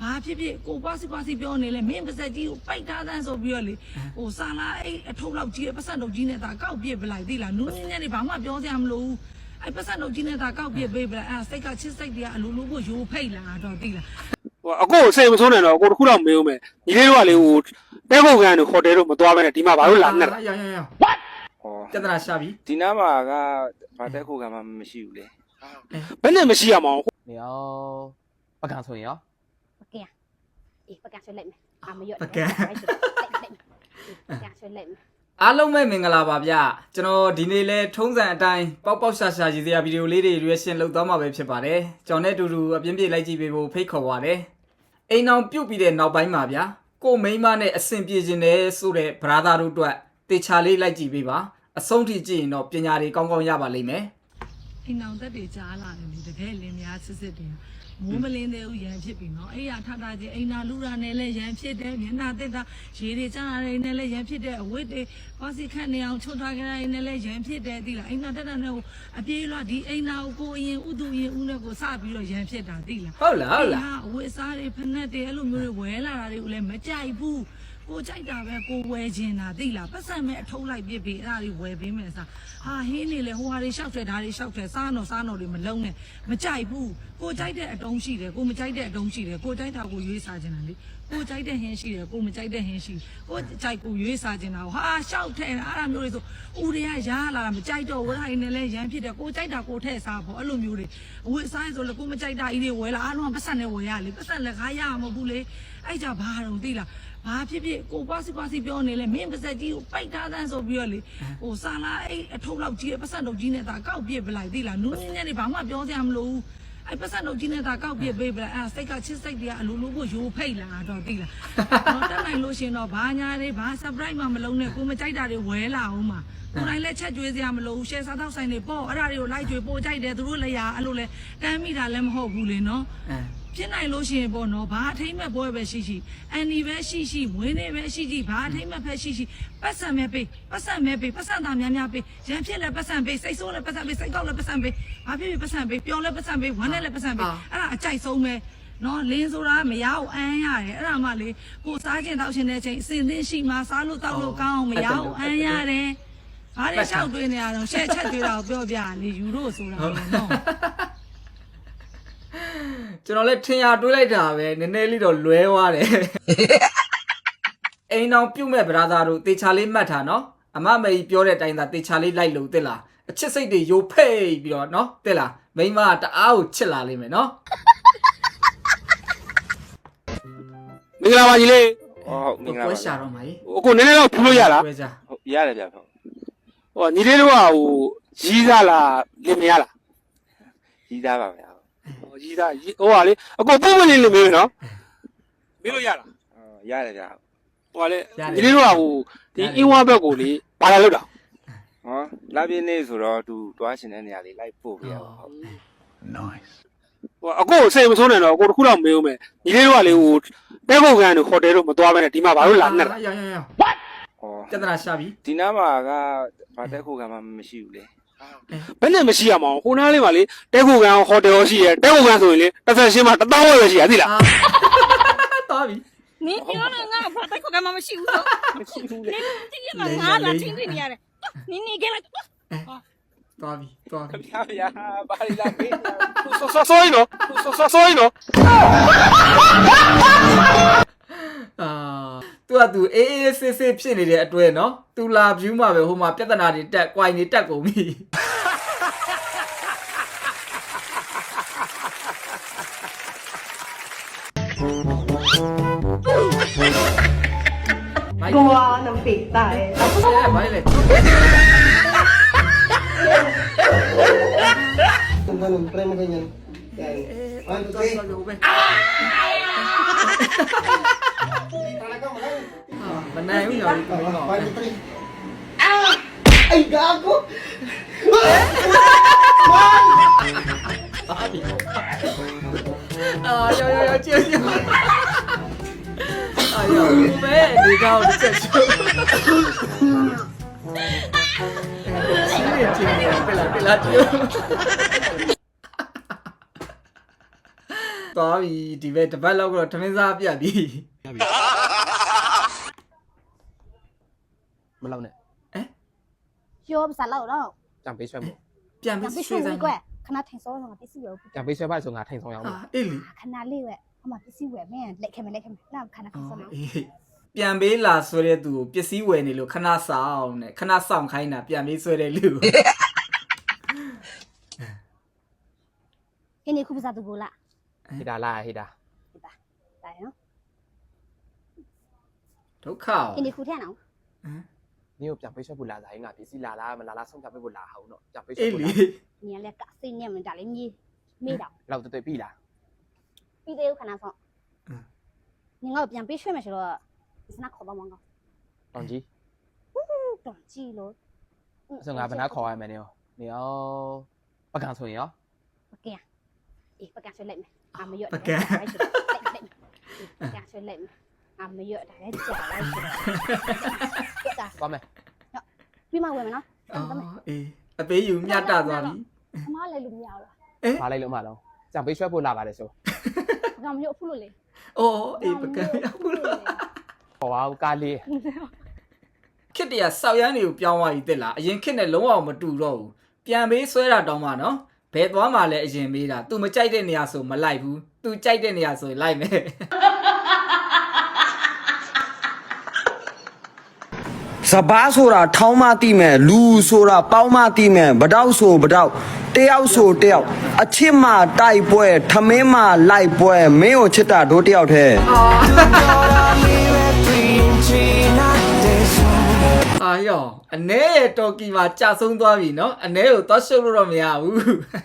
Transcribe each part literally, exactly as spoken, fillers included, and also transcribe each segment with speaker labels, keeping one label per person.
Speaker 1: ဘာဖြစ်ဖြစ်ကိုပွားစီပွားစီပြောနေလဲမင်းပါစက်ကြီးကိုပိုက်ထားသန်းဆိုပြီးတော့လေဟိုစာလာအဲ့အထုပ်လောက်ကြီးပတ်စံတော့ကြီးနေတာကောက်ပြစ်ပလိုက်သိလားနူးညံ့နေဘာမှပြောစရာမလိုဘူးအဲ့ပတ်စံတော့ကြီးနေတာကောက်ပြစ်ပေးပလိုက်အဲ့စိတ်ကချစ်စိတ်တွေကအလိုလိုကိုရိုးဖိတ်လာတော့သိလား
Speaker 2: ဟိုအကိုစိတ်မဆိုးနေတော့အကိုတခုတော့မေးဦးမယ်ညီလေးတို့ကလေဟိုတဲခုတ်ကန်တို့ဟိုတယ်တို့မသွားဘဲနဲ့ဒီမှာဘာလို့လာနေတာ
Speaker 3: ရောင်ရောင်ရောင် what ဟောပြဿနာရှာပြီ
Speaker 4: ဒီနားမှာကဘာတဲခုတ်ကန်မှမရှိဘူးလေ
Speaker 2: ဘယ်နဲ့မရှိရမအောင်
Speaker 5: 你要不敢说呀？
Speaker 6: 不敢，咦，不敢说累没？啊，没有，
Speaker 3: 不敢，
Speaker 6: 不敢说累没？
Speaker 3: အားလုံးပဲမင်္ဂလာပါဗျကျွန်တော်ဒီနေ့လဲထုံးစံအတိုင်းပေါက်ပေါက်ရှာရှာရည်စရာဗီဒီယိုလေးတွေ reaction လုပ်သွားမှာပဲဖြစ်ပါတယ်ကျွန်တော်နဲ့အတူတူအပြင်းပြေးလိုက်ကြည့်ပေးဖို့ဖိတ်ခေါ်ပါတယ်အိမ်အောင်ပြုတ်ပြီးတဲ့နောက်ပိုင်းမှာဗျကိုမိန်းမနဲ့အဆင်ပြေခြင်းနဲ့ဆိုတဲ့ brother တို့အတွက်တေချာလေးလိုက်ကြည့်ပေးပါအဆုံးထိကြည့်ရင်တော့ပညာတွေကောင်းကောင်းရပါလိမ့်မယ်
Speaker 1: အိမ်အောင်သက်တွေကြားလာတယ်လေတကယ်လင်းများစစ်စစ်တယ်မိုးမလင်းသေးဘူးရန်ဖြစ်ပြီနော်အဲ့ရထထချင်းအိမ်နာလူရာနဲ့လည်းရန်ဖြစ်တယ်မျက်နှာတက်တာရေတွေကြားရနေနဲ့လည်းရန်ဖြစ်တယ်အဝတ်တွေပါစီခန့်နေအောင်ချွတ်ထားကြရနေလည်းရန်ဖြစ်တယ်သိလားအိမ်နာတက်တာနဲ့ဟိုအပြေးလွှတ်ဒီအိမ်နာကိုကိုအရင်ဥတူရင်ဦးနဲ့ကိုစပြီးတော့ရန်ဖြစ်တာသိလား
Speaker 3: ဟုတ်လားဟုတ်လား
Speaker 1: အဝတ်စားတွေဖက်နဲ့တွေအဲ့လိုမျိုးတွေဝဲလာတာတွေကိုလည်းမကြိုက်ဘူးကိုကြိုက်တာပဲကိုဝဲခြင်းတာသိလားပတ်စံမဲ့အထုံးလိုက်ပြစ်ပြီးအဲ့ဒါတွေဝဲပေးမယ်စားဟာဟင်းနေလေဟိုဟာတွေရှောက်တယ်ဒါတွေရှောက်တယ်စားတော့စားတော့တွေမလုံးနဲ့မကြိုက်ဘူးကိုကြိုက်တဲ့အတုံးရှိတယ်ကိုမကြိုက်တဲ့အတုံးရှိတယ်ကိုကြိုက်တာကိုရွေးစားခြင်းတာလေကိုကြိုက်တဲ့ဟင်းရှိတယ်ကိုမကြိုက်တဲ့ဟင်းရှိကိုကြိုက်ကိုရွေးစားခြင်းတာဟာရှောက်ထဲအဲ့ဒါမျိုးတွေဆိုဦးတွေကရားလာတာမကြိုက်တော့ဝဲတိုင်းနဲ့လဲရမ်းဖြစ်တယ်ကိုကြိုက်တာကိုထဲ့စားဖို့အဲ့လိုမျိုးတွေအဝတ်စားဆိုလေကိုမကြိုက်တာဤတွေဝဲလာအားလုံးပတ်စံနဲ့ဝဲရလေပတ်စံလက်ကားရမှာမဟုတ်ဘူးလေအဲ့ကြဘာတော့သိလားဘာဖြစ်ဖြစ်ကိုပွားစီပွားစီပြောနေလဲမင်းပါစက်ကြီးကိုပိုက်ထားသန်းဆိုပြီးတော့လေဟိုစာလာအဲ့အထုပ်လောက်ကြီးပတ်စံတော့ကြီးနေတာကောက်ပြစ်ပလိုက်သိလားနူးညံ့နေဘာမှပြောစရာမလိုဘူးအဲ့ပတ်စံတော့ကြီးနေတာကောက်ပြစ်ပေးပလိုက်အဲ့စိတ်ကချစ်စိတ်တွေကအလိုလိုကိုရိုးဖိတ်လာတော့သိလားတော့တက်နိုင်လို့ရှင်တော့ဘာညာတွေဘာ surprise မှမလုံးနဲ့ကိုမကြိုက်တာတွေဝဲလာအောင်မှာကိုယ်တိုင်လည်းချက်ကျွေးစရာမလိုဘူး share စားတော့ဆိုင်တွေပေါ့အဲ့ဒါတွေကိုလိုက်ကျွေးပို့ကြိုက်တယ်သူတို့လည်းရအဲ့လိုလဲတမ်းမိတာလည်းမဟုတ်ဘူးလေနော်ဖြစ်နိုင်လို့ရှိရင်ပေါ့နော်ဘာအထိမ့်မဲ့ပွဲပဲရှိရှိအန်ဒီပဲရှိရှိမွေးနေ့ပဲရှိရှိဘာအထိမ့်မဲ့ဖက်ရှိရှိပတ်စံမဲ့ပေးပတ်စံမဲ့ပေးပတ်စံသားများများပေးရန်ဖြစ်လဲပတ်စံပေးစိတ်ဆိုးလဲပတ်စံပေးစိတ်ကောက်လဲပတ်စံပေးဘာဖြစ်ဖြစ်ပတ်စံပေးပျော်လဲပတ်စံပေးဝမ်းနဲ့လဲပတ်စံပေးအဲ့ဒါအကြိုက်ဆုံးပဲနော်လင်းဆိုတာမရအောင်အမ်းရတယ်အဲ့ဒါမှလေကိုစားခြင်းတောက်ခြင်းတဲ့အချိန်အစင်သင်းရှိမှစားလို့တောက်လို့ကောင်းအောင်မရအောင်အမ်းရတယ်ဘာတွေလျှောက်တွေးနေရတော့ရှက်ချက်တွေးတာကိုပြောပြလေယူလို့ဆိုတာနော်
Speaker 3: ကျွန်တော်လည်းထင်ရတွေးလိုက်တာပဲနည်းနည်းလေးတော့လွဲသွားတယ်အိမ်အောင်ပြုတ်မဲ့ brother တို့တေချာလေးမှတ်ထားနော်အမမေကြီးပြောတဲ့အတိုင်းသာတေချာလေးလိုက်လို့တက်လားအချစ်စိတ်တွေယိုဖိတ်ပြီးတော့နော်တက်လားမိန်းမတအားကိုချစ်လာလိမ့်မယ်နော်
Speaker 2: မင်္ဂလာပါကြီးလေး
Speaker 4: ဟုတ်မင်္ဂလာပါ
Speaker 3: ပွဲရှာတော့မှာကြီး
Speaker 2: အကိုနည်းနည်းတော့ဖြူလို့ရလား
Speaker 3: ပွဲရှာ
Speaker 4: ဟုတ်ရတယ်ဗျဟုတ်
Speaker 2: ဟောညီလေးတို့ကဟိုရီးစားလားလင်မရလား
Speaker 4: ကြီးသားပါဗျာ
Speaker 2: ဟောရီးစားဟိုဟာလေအကိုပုံမလေးလင်မေးနော်မေးလို့ရလား
Speaker 4: ဟုတ်ရတယ်ဗျာ
Speaker 2: ဟိုဟာလေညီလေးတို့ကဟိုဒီအင်းဝါဘက်ကိုလေဘာလာလို့တာ
Speaker 4: ဟောလာပြင်းနေဆိုတော့သူတွားရှင်တဲ့နေရာလေးလိုက်ပို့ပြရပါဟုတ်
Speaker 2: nice ဟိုအကိုစိတ်မဆိုးနေတော့အကိုတခုတော့မေးဦးမယ်ညီလေးတို့ကလေဟိုတဲခုတ်ကန်တို့ဟိုတယ်တို့မသွားဘဲနဲ့ဒီမှာဘာလို့လာနေတာ
Speaker 3: ရောင်ရောင်ရောင် what ဟောပြဿနာရှာပြီ
Speaker 4: ဒီနားမှာကဘာတဲခုတ်ကန်မှမရှိဘူးလေ
Speaker 2: ဘယ်နဲ့မရှိရမအောင်ဟိုနားလေးမှာလေတဲခုတ်ကန်ဟိုတယ်ရောရှိရဲတဲခုတ်ကန်ဆိုရင်လေတစ်ဆက်ရှင်းမှာတစ်သောင်းဝယ်ပဲရှိရသိလား
Speaker 3: တော်ပြီ
Speaker 6: 你你那那把带口干嘛没洗污糟？没洗污嘞。你这个拿拿听听你的，你你给了。
Speaker 3: တော်ပြီတော်ပြီ
Speaker 4: ဗျာဗျာဘာလဲလာမေး
Speaker 2: ဆောဆောဆောနော်ဆောဆောဆောနော်
Speaker 3: အာသူကသူအေးအေးဆေးဆေးဖြစ်နေတဲ့အတွဲနော်သူလာ view မှာပဲဟိုမှာပြဿနာတွေတက် quite နေတက်ကုန်ပြီ
Speaker 7: Gua nằm bị tại.
Speaker 3: Dạ, mấy này.
Speaker 8: Tunggu nung try mo ganyan. Yan. One, two, three. Talaga mahal.
Speaker 3: Ah, banay mo yun.
Speaker 8: One, two, three. Ah! Ay, gago!
Speaker 3: Ah, yo, yo, yo, chill, chill. Ayaw mo ba eh, di ka ako nagsadsyo. Chill, chill, pila, pila, chill. သွားပြီဒီဘက်တစ်ပတ်လောက်ကတော့ထမင်းစားပြတ်ပြီ
Speaker 5: မလောက်နဲ့
Speaker 6: ပြောပါစားလောက်တော့
Speaker 5: ကြံပေးဆွဲမို့
Speaker 3: ပြန်
Speaker 6: ပြန်
Speaker 3: ပြီး
Speaker 6: ပြီး
Speaker 3: ရွှေ
Speaker 6: ရွှေ
Speaker 3: ဆိုင်
Speaker 6: ကွယ်ခဏထိုင်စောတော့ပစ္စည်းဝယ်
Speaker 5: ကြံပေးဆွဲပါဆိုငါထိုင်ဆောင်ရအောင်
Speaker 3: အာအေးလီ
Speaker 6: ခဏလေးဝယ်အမပစ္စည်းဝယ်မင်းလက်ခဲမလက်ခဲမလာခဏခဏစောတော့
Speaker 3: အေးပြန်ပေးလာဆွဲတဲ့သူကိုပစ္စည်းဝယ်နေလို့ခဏဆောင်နဲ့ခဏဆောင်ခိုင်းတာပြန်ပေးဆွဲတဲ့လူ
Speaker 6: ခင်းနေခုပစားသူကိုလား
Speaker 5: ဟိတာလာဟိတာ
Speaker 6: ဒါရနော်
Speaker 3: ဒုက္ခ
Speaker 6: ခင်းနေခုထဲနော်
Speaker 5: နင်းကိုကြံပေးဆွဲဖို့လာစားရင်ငါပစ္စည်းလာလားမလာလားဆုံးဖြတ်ပေးဖို့လာအောင်တော့ကြံပေးဆွဲ
Speaker 3: အေး
Speaker 5: ဖို့
Speaker 3: လီ
Speaker 5: လာ
Speaker 6: 你俩嘎谁呢？们家里米米的，
Speaker 5: လောက်တွေ့ပြီလား
Speaker 6: 比这有可能说。你我边被水没是了，是那考到吗？
Speaker 5: တောင်ကြီး
Speaker 6: 懂记了。
Speaker 5: အစငါဘယ်နာခေါ်ရမယ်နင်းရောနင်းရောပကံဆိုရင်ရော
Speaker 6: 不干，诶，不干水累没？俺没有。不干。不干水累没？俺没有，大概假来是。
Speaker 5: သွားမယ်
Speaker 6: ပြီးမှဝယ်မယ်နော်
Speaker 3: အော်အေးအပေးယူမြတ်တာသွားပြီ
Speaker 6: အမလည်းလို့မရဘူးလား
Speaker 5: မလိုက်လို့မလားကြံပေးဆွဲဖို့လာပါတယ်ဆို
Speaker 6: ငါမလို့ဖုလို့လေ
Speaker 3: အော်အေးပကံဟုတ်လား
Speaker 5: ခေါ်ပါဦးကားလေး
Speaker 3: ခစ်တရဆောက်ရမ်းတွေကိုပြောင်းသွားပြီတက်လားအရင်ခစ်နဲ့လုံးဝမတူတော့ဘူးပြန်ပေးဆွဲတာတောင်းမှနော်ဘယ်သွားမှလဲအရင်မေးတာ तू မကြိုက်တဲ့နေရာဆိုမလိုက်ဘူး तू ကြိုက်တဲ့နေရာဆိုရင်လိုက်မယ်
Speaker 8: စဘာဆိုတာထောင်းမတိမဲ့လူဆိုတာပေါင်းမတိမဲ့ဗတောက်ဆိုဗတောက်တယောက်ဆိုတယောက်အချစ်မတိုက်ပွဲထမင်းမလိုက်ပွဲမင်းကိုချစ်တာတို့တယောက်တည်း
Speaker 3: အာယောအနေရဲ့တော်ကီမှာကြာဆုံးသွားပြီနော်အနေကိုသွားရှုပ်လို့တော့မရဘူး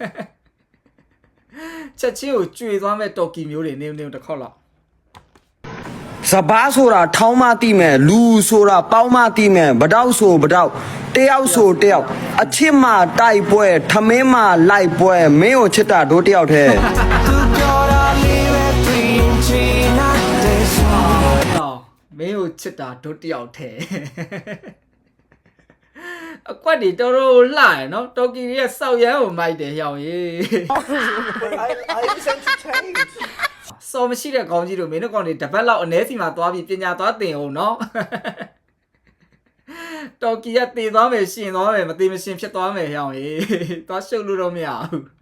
Speaker 3: ချက်ချင်းကိုကျွေသွားမဲ့တော်ကီမျိုးတွေနေနေတစ်ခေါက်လောက်
Speaker 8: စဘာဆိုတာထောင်းမတိမဲ့လူဆိုတာပေါင်းမတိမဲ့ဗတောက်ဆိုဗတောက်တယောက်ဆိုတယောက်အချစ်မတိုက်ပွဲထမင်းမလိုက်ပွဲမင်းကိုချစ်တာတို့တယောက်တည်း
Speaker 3: တော့မင်းကိုချစ်တာတို့တယောက်ထဲအကွက်တွေတော်တော်လှရနော်တော်ကီရဲ့စောက်ရမ်းကိုမိုက်တယ်ဟောင်ရေး စောမရှိတဲ့ကောင်းကြီးတို့မင်းတို့ကောင်တွေတပတ်လောက်အနေစီမှာသွားပြီးပညာသွားသင်အောင်နော်တော်ကီကတည်သွားမယ်ရှင်သွားမယ်မတည်မရှင်ဖြစ်သွားမယ်ဟောင်ရေးသွားရှုပ်လို့တော့မရဘူး